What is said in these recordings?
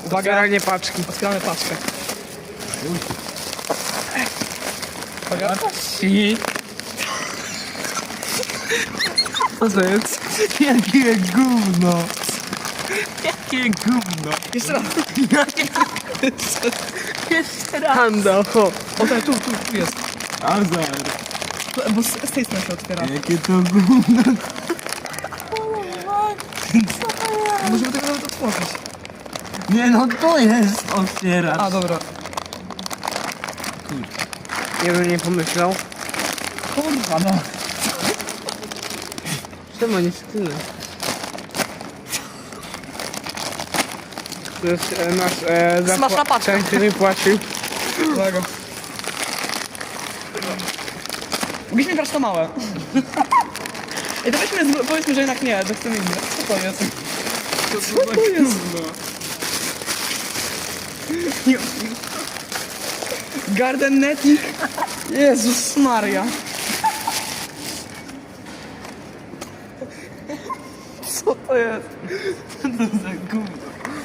Otwieranie paczki. Otwieramy paczkę. Uwaga. I... Co to jest? Jakie gówno. Jakie gówno. Jeszcze raz. Jeszcze raz. Handa, ho. O tak, tu jest. Azar. Bo z tej strony się otwiera. Jakie to gówno. Możemy tego nawet otworzyć. Nie no, to jest otwieracz. A, dobra. Nie bym nie pomyślał. Kurwa, no. Czemu nie tyle? To jest nasz Smaczna paczka. ten, który płacił. Uwaga. Mogliśmy brać to małe. I to powiedzmy, że jednak nie, to chcemy inne. Co to jest? Co to jest? Garden Netting. Jezus Maria. Co to jest? Co to za gówno?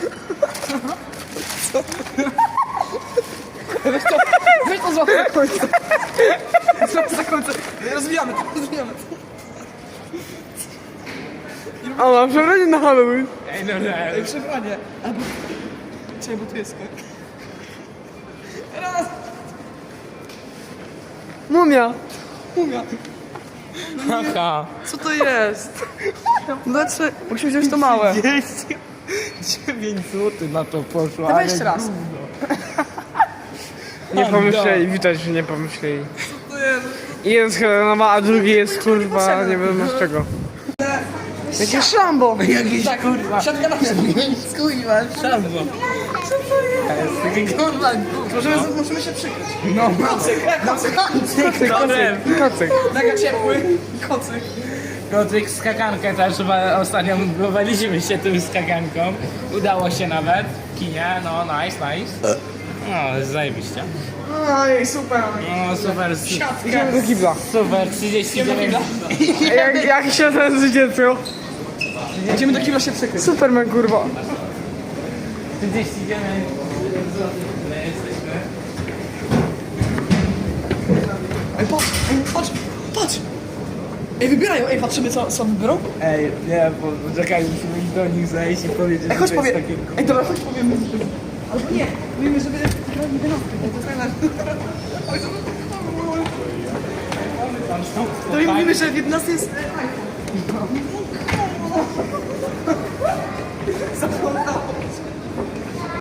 Weź to złapę za końce. Złapę za końce. Rozwijamy to, rozwijamy to. A mam przebranie na Halloween. Ej, no nie. Ej, przebranie. Albo... Czekaj, bo tu jest skok. Raz. Mumia. Umia. Haha. Co to jest? Dlaczego? Musimy wziąć to małe. 9 zł na to poszło. Dawaj ale jeszcze raz. gówno. Nie pomyśleli, widać, że nie pomyśleli. Co to jest? Jeden z Helenowa, a drugi jest kurwa, nie wiadomo z czego. Jakie szambo! Jakiś tak, kurwa. Siatka na mnie. Kurwa, szambo. Co to jest? Takie kurwa gówno. Musimy się przykryć. No, Kocyk, kocyk. kocyk. Mega ciepły. Kocyk. Kocyk skakankę też, chyba ostatnio próbowaliśmy się tym skakanką. Udało się nawet. Kinie, no nice. No, zajebiście. Oj, super. No super, Idziemy do kibla. super, 39. Jak się nazywa dziecko? Idziemy do kibla się przykryć. Superman kurwa. 39. Jesteśmy. Ej, patrz. Ej, wybierają. Ej, patrzymy co wybiorą. Ej, nie, bo czekaj, musimy iść do nich zejść i powiedzieć, Ej, chodź że to jest powie. takie... Ej, dobra, chodź powiemy. Albo nie, powiemy, żeby wybrali wynówkę. To jest najlepsze. To i mówimy, że w 11 jest... Zagląda.